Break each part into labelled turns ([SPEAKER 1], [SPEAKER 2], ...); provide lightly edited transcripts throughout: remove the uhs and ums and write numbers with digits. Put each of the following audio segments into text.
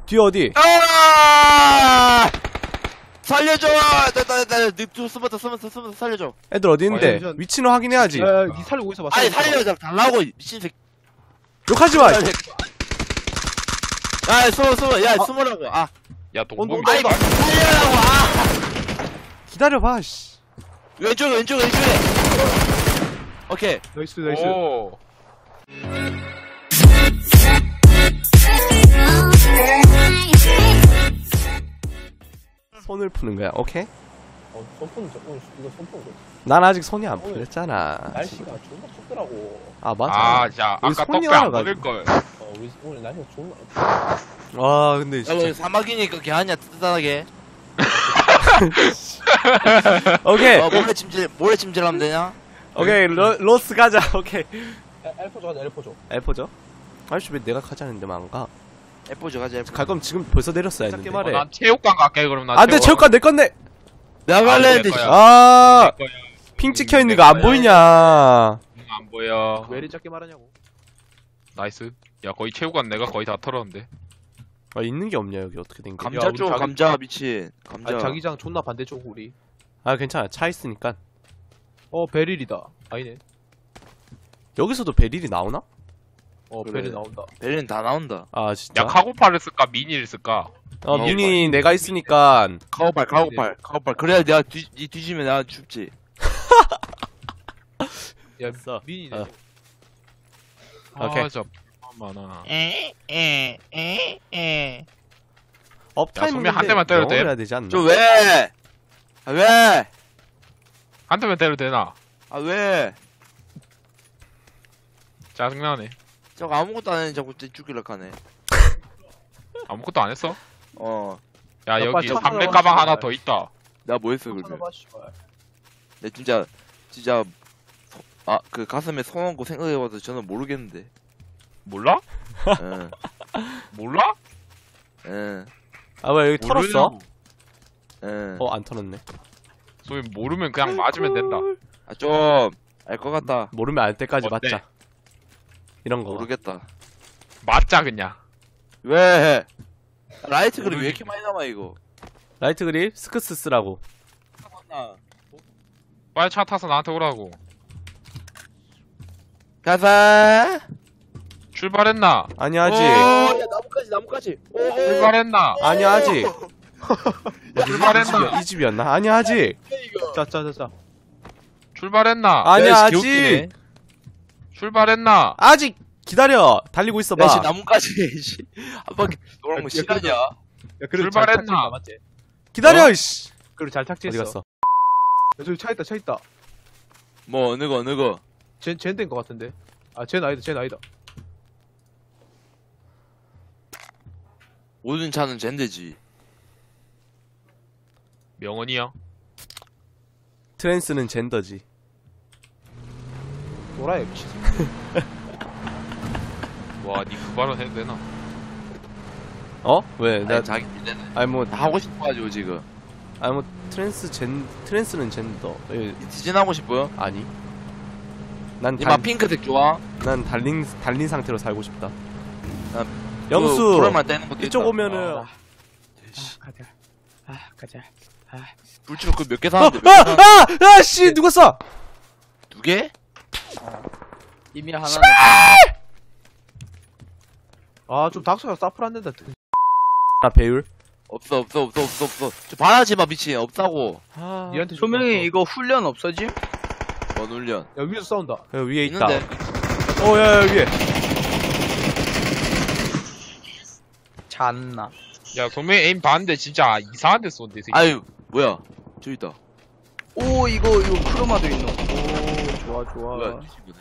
[SPEAKER 1] 뒤에 어디?
[SPEAKER 2] 아! 살려줘! 나 숨었다, 살려줘.
[SPEAKER 1] 애들 어디 있는데?
[SPEAKER 3] 아니,
[SPEAKER 1] 위치는 확인해야지.
[SPEAKER 3] 야, 니 살리고 있어봐.
[SPEAKER 2] 아니, 살려줘, 달라고, 미친 새끼.
[SPEAKER 1] 욕하지 마!
[SPEAKER 2] 야, 숨으라고. 아.
[SPEAKER 4] 야, 동범이.
[SPEAKER 2] 아니, 살려라고, 아!
[SPEAKER 1] 기다려봐, 씨.
[SPEAKER 2] 왼쪽에. 오케이.
[SPEAKER 3] 나이스.
[SPEAKER 4] 오.
[SPEAKER 1] 손을 푸는 거야, 오케이?
[SPEAKER 3] 손 오늘 이거 손 푸는 거.
[SPEAKER 1] 난 아직 손이 안 풀렸잖아.
[SPEAKER 3] 날씨가 존나 춥더라고.
[SPEAKER 1] 아, 맞아.
[SPEAKER 4] 아, 자,
[SPEAKER 1] 우리
[SPEAKER 4] 아까
[SPEAKER 1] 손이
[SPEAKER 4] 떡배 안
[SPEAKER 1] 와가지고.
[SPEAKER 4] 보낼 걸.
[SPEAKER 3] 우리 오늘 날씨가 존나.
[SPEAKER 1] 와, 근데
[SPEAKER 2] 야,
[SPEAKER 1] 진짜.
[SPEAKER 2] 뭐, 사막이니까 걔 아니야, 뜨뜻하게.
[SPEAKER 1] 오케이.
[SPEAKER 2] 모래 침질하면 되냐?
[SPEAKER 1] 오케이, 로스 가자, 오케이.
[SPEAKER 3] 엘포 가자, 엘포 줘.
[SPEAKER 1] 엘포죠? 아저씨 왜 내가 가자는데 안 가?
[SPEAKER 2] 에포즈 가자, 에포즈.
[SPEAKER 1] 갈 거면 지금 벌써 내렸어야 했는데.
[SPEAKER 3] 짧게 말해.
[SPEAKER 4] 난 체육관 갈게, 그럼 난.
[SPEAKER 1] 안 돼, 체육관 내 건데!
[SPEAKER 2] 내가 갈래 했는데,
[SPEAKER 4] 내 거야.
[SPEAKER 1] 아,
[SPEAKER 4] 내 거야.
[SPEAKER 1] 핑 찍혀 있는 거 안 보이냐?
[SPEAKER 4] 안 보여.
[SPEAKER 3] 왜 이리 작게 말하냐고.
[SPEAKER 4] 나이스. 야, 거의 체육관 내가 거의 다 털었는데.
[SPEAKER 1] 아, 있는 게 없냐, 여기 어떻게 된 게.
[SPEAKER 2] 감자
[SPEAKER 3] 우리
[SPEAKER 2] 쪽,
[SPEAKER 3] 자기-
[SPEAKER 2] 감자, 미친. 감자.
[SPEAKER 3] 아니, 자기장 존나 반대쪽 우리.
[SPEAKER 1] 아, 괜찮아. 차 있으니까.
[SPEAKER 3] 베릴이다. 아니네.
[SPEAKER 1] 여기서도 베릴이 나오나?
[SPEAKER 2] 그래.
[SPEAKER 3] 베릴 나온다.
[SPEAKER 2] 베리는 다 나온다.
[SPEAKER 1] 아, 진짜?
[SPEAKER 4] 야, 카고파를 쓸까, 미니를 쓸까?
[SPEAKER 1] 미니 내가 있으니까.
[SPEAKER 2] 카고팔. 그래야 내가 니 뒤지면 내가 춥지.
[SPEAKER 3] 야,
[SPEAKER 1] 됐어.
[SPEAKER 3] 미니네.
[SPEAKER 1] 어. 오케이.
[SPEAKER 4] 아, 진짜 많아.
[SPEAKER 1] 업타임
[SPEAKER 4] 소매 한 대만 때려도 돼?
[SPEAKER 1] 해야 되지 않나?
[SPEAKER 2] 저 왜? 아, 왜?
[SPEAKER 4] 한 대만 때려도 되나?
[SPEAKER 2] 아, 왜?
[SPEAKER 4] 짜증나네.
[SPEAKER 2] 저거 아무것도 안 했는데 자꾸 죽이려 하네.
[SPEAKER 4] 아무것도 안 했어?
[SPEAKER 2] 어.
[SPEAKER 4] 야,
[SPEAKER 3] 야,
[SPEAKER 4] 여기
[SPEAKER 3] 빨리 차
[SPEAKER 4] 담배
[SPEAKER 3] 타러
[SPEAKER 4] 가방
[SPEAKER 3] 가시죠.
[SPEAKER 4] 하나 더 있다.
[SPEAKER 2] 내가 뭐 했어,
[SPEAKER 3] 하나
[SPEAKER 2] 그러면.
[SPEAKER 3] 봐, 씨발.
[SPEAKER 2] 내 진짜, 그 가슴에 손 얹고 생각해봐도 저는 모르겠는데.
[SPEAKER 4] 몰라?
[SPEAKER 2] 응,
[SPEAKER 4] 몰라?
[SPEAKER 2] 응,
[SPEAKER 1] 아, 왜 여기 털었어?
[SPEAKER 4] 모르냐고.
[SPEAKER 2] 응.
[SPEAKER 1] 안 털었네.
[SPEAKER 4] 소위 모르면 그냥 맞으면 된다.
[SPEAKER 2] 아, 좀, 알 것 같다.
[SPEAKER 1] 모르면 알 때까지
[SPEAKER 4] 어때?
[SPEAKER 1] 맞자. 이런 거.
[SPEAKER 2] 모르겠다.
[SPEAKER 4] 맞자, 그냥.
[SPEAKER 2] 왜? 라이트 그립 왜
[SPEAKER 4] 모르겠네.
[SPEAKER 2] 이렇게 많이 남아, 이거?
[SPEAKER 1] 라이트 그립 스크스 쓰라고.
[SPEAKER 4] 빨리 차 타서 나한테 오라고.
[SPEAKER 2] 가자!
[SPEAKER 4] 출발했나?
[SPEAKER 1] 아니, 아직.
[SPEAKER 2] 야, 나무까지.
[SPEAKER 4] 출발했나?
[SPEAKER 1] 아니, 아직.
[SPEAKER 4] 출발했나?
[SPEAKER 1] 이 집이었나? 아니, 아직.
[SPEAKER 3] 자.
[SPEAKER 4] 출발했나?
[SPEAKER 1] 아니,
[SPEAKER 2] 야, 씨,
[SPEAKER 1] 아직.
[SPEAKER 2] 개웃기네.
[SPEAKER 4] 출발했나?
[SPEAKER 1] 아직. 기다려. 달리고 있어봐.
[SPEAKER 2] 야, 씨, 나무까지, 씨. 한 바퀴 노란 거
[SPEAKER 3] 야,
[SPEAKER 2] 싫어하냐?
[SPEAKER 3] 야, 그래도
[SPEAKER 4] 출발했나?
[SPEAKER 3] 잘 탁지했다, 맞지?
[SPEAKER 1] 기다려, 이씨.
[SPEAKER 3] 그리고 잘
[SPEAKER 1] 어디
[SPEAKER 3] 탁지했어.
[SPEAKER 1] 갔어?
[SPEAKER 3] 야, 저기 차 있다.
[SPEAKER 2] 뭐, 어느 거.
[SPEAKER 3] 쟨 된 거 같은데. 아, 쟨 아니다.
[SPEAKER 2] 모든 차는 젠데지.
[SPEAKER 4] 명언이야.
[SPEAKER 1] 트랜스는 젠더지.
[SPEAKER 3] 노라에 미친.
[SPEAKER 4] 와, 니 그 발언 해도 되나?
[SPEAKER 1] 어? 왜?
[SPEAKER 2] 나 자기 때는
[SPEAKER 1] 아니, 뭐,
[SPEAKER 2] 다 하고 싶어가지고, 지금.
[SPEAKER 1] 아니, 뭐, 트랜스는 젠더.
[SPEAKER 2] 디진하고 싶어요?
[SPEAKER 1] 아니. 난
[SPEAKER 2] 니마 핑크색 좋아?
[SPEAKER 1] 난 달린 상태로 살고 싶다.
[SPEAKER 2] 난
[SPEAKER 1] 영수,
[SPEAKER 2] 불만 떼는 것도
[SPEAKER 1] 이쪽
[SPEAKER 2] 있다.
[SPEAKER 1] 오면은.
[SPEAKER 3] 가자.
[SPEAKER 2] 불치로 그 몇 개
[SPEAKER 1] 아,
[SPEAKER 2] 사는데
[SPEAKER 1] 씨, 누가 쏴?
[SPEAKER 2] 두 개?
[SPEAKER 5] 이미 하나는
[SPEAKER 3] 아, 좀 닥쳐서 사플 안 된다.
[SPEAKER 1] 아, 배율.
[SPEAKER 2] 없어. 저 바라지 마, 미친. 없다고.
[SPEAKER 1] 아,
[SPEAKER 3] 니한테
[SPEAKER 5] 조명이 이거 훈련 없어짐?
[SPEAKER 2] 뭔 훈련.
[SPEAKER 3] 야, 위에서 싸운다.
[SPEAKER 1] 여기 위에 있다.
[SPEAKER 2] 있는데.
[SPEAKER 1] 야, 위에.
[SPEAKER 5] 잔나.
[SPEAKER 4] 야, 소매 에임 봤는데 진짜 이상한 데 쏜대, 이 새끼.
[SPEAKER 2] 아유, 뭐야. 저기 있다.
[SPEAKER 5] 오 이거 크로마도 있노. 오 좋아.
[SPEAKER 2] 뭐야, 이 친구들.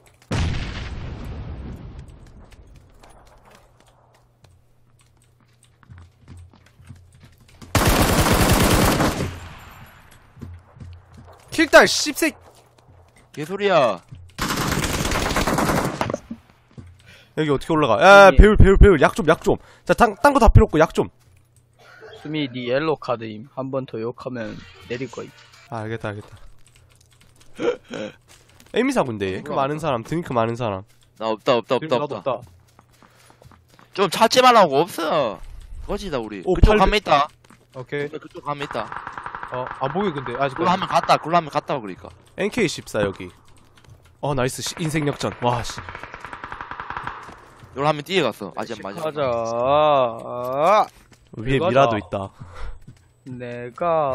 [SPEAKER 1] 킬딸, 씹새.
[SPEAKER 2] 개소리야.
[SPEAKER 1] 여기 어떻게 올라가? 야,
[SPEAKER 5] 여기.
[SPEAKER 1] 배율. 약 좀. 자, 딴 거 다 필요 없고, 약 좀.
[SPEAKER 5] 수미 니 옐로 카드임. 한 번 더 욕하면 내릴 거임.
[SPEAKER 1] 아, 알겠다. 에미사군데, 그 많은 사람, 드링크 많은 사람.
[SPEAKER 2] 나 없다.
[SPEAKER 3] 나도 없다.
[SPEAKER 2] 좀 찾지 말라고, 없어. 꺼지다 우리.
[SPEAKER 1] 오,
[SPEAKER 2] 그쪽
[SPEAKER 1] 800.
[SPEAKER 2] 가면 있다.
[SPEAKER 3] 오케이.
[SPEAKER 2] 그쪽 가면 있다.
[SPEAKER 3] 안 보여 근데 아직.
[SPEAKER 2] 굴러 하면 갔다. 굴러 하면 갔다 그러니까.
[SPEAKER 1] NK14 여기. 나이스. 인생 역전. 와, 씨.
[SPEAKER 2] 요걸 하면 뛰어갔어. 아직 안 맞아.
[SPEAKER 5] 가자.
[SPEAKER 1] 위에
[SPEAKER 3] 맞아.
[SPEAKER 1] 미라도 있다.
[SPEAKER 5] 내가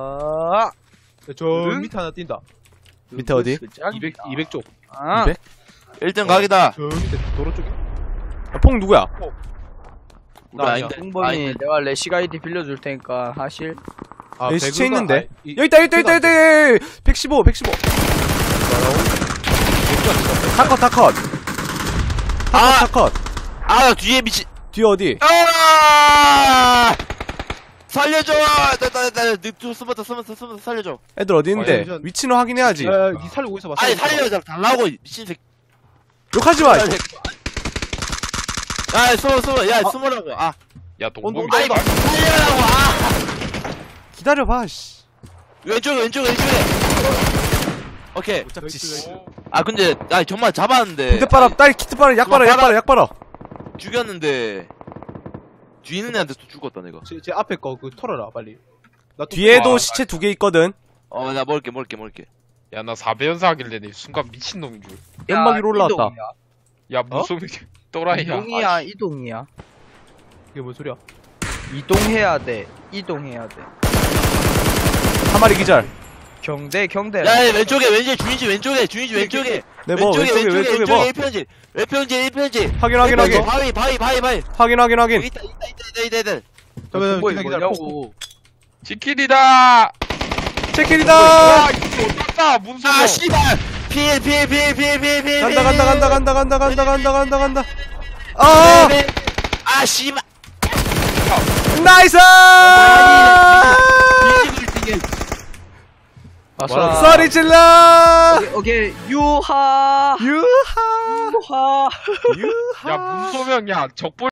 [SPEAKER 3] 저 밑에 하나 뛴다.
[SPEAKER 1] 밑에 어디?
[SPEAKER 3] 200쪽.
[SPEAKER 5] 아,
[SPEAKER 1] 200?
[SPEAKER 2] 1등 각이다.
[SPEAKER 3] 저 밑에 도로 쪽에.
[SPEAKER 1] 퐁 누구야?
[SPEAKER 2] 우리 아닌데.
[SPEAKER 5] 홍범이
[SPEAKER 2] 아닌데.
[SPEAKER 5] 내가 레시가 아이디 빌려줄 테니까 하실.
[SPEAKER 1] 여기 시체
[SPEAKER 3] 배그가-
[SPEAKER 1] 있는데?
[SPEAKER 3] 아,
[SPEAKER 1] 여기 있다. 115. 다컷.
[SPEAKER 2] 아 뒤에 미친.
[SPEAKER 1] 뒤에 어디?
[SPEAKER 2] 아! 살려줘! 나 숨었다 살려줘.
[SPEAKER 1] 애들 어디 있는데?
[SPEAKER 3] 아니, 전-
[SPEAKER 1] 위치는 확인해야지.
[SPEAKER 3] 니 살리고 있어봐.
[SPEAKER 2] 아니 살려줘 달라고 미친 새끼.
[SPEAKER 1] 욕하지 마.
[SPEAKER 2] 야 숨어 야 숨으라고. 아
[SPEAKER 4] 야 동범이
[SPEAKER 2] 아니 살려라고. 아
[SPEAKER 1] 기다려봐, 씨.
[SPEAKER 2] 왼쪽에 오케이.
[SPEAKER 1] 못 잡지, 씨.
[SPEAKER 2] 아 근데 아 정말 잡았는데.
[SPEAKER 1] 군대 빨아, 딸 키트 빨아, 약 빨아.
[SPEAKER 2] 죽였는데 뒤에 있는 애한테 또 죽었다 내가.
[SPEAKER 3] 제 앞에 거 그 털어라 빨리. 나 또-
[SPEAKER 1] 뒤에도
[SPEAKER 4] 아,
[SPEAKER 1] 시체 2개 있거든.
[SPEAKER 2] 나 먹을게.
[SPEAKER 4] 야나 4배연사 하길래 내 순간 미친놈인 줄.
[SPEAKER 1] 연막 위로 올라왔다.
[SPEAKER 4] 야 무슨 또라이야.
[SPEAKER 5] 이동이야, 이동이야.
[SPEAKER 3] 이게 뭔 소리야?
[SPEAKER 5] 이동해야 돼. 이동해야 돼.
[SPEAKER 1] 한 마리 기절.
[SPEAKER 5] 경대.
[SPEAKER 2] 야 왼쪽에 주인지 왼쪽에.
[SPEAKER 1] 네, 뭐, 왼쪽에 뭐.
[SPEAKER 2] 1평지.
[SPEAKER 1] 확인.
[SPEAKER 2] 바위.
[SPEAKER 1] 확인.
[SPEAKER 2] 있다.
[SPEAKER 3] 잠깐만
[SPEAKER 5] 뭐야,
[SPEAKER 3] 기다려.
[SPEAKER 5] 뭐냐고.
[SPEAKER 4] 치킨이다.
[SPEAKER 1] 체킬이다.
[SPEAKER 4] 야 이거 어떡다 문서.
[SPEAKER 2] 아 씨발. 피해.
[SPEAKER 1] 간다. 아,
[SPEAKER 2] 아 씨발.
[SPEAKER 1] 나이스!
[SPEAKER 5] 아싸.
[SPEAKER 1] 소리 질러!
[SPEAKER 5] 오케이. 유하.
[SPEAKER 1] 유하!
[SPEAKER 5] 유하.
[SPEAKER 4] 야 문소명 야 적볼.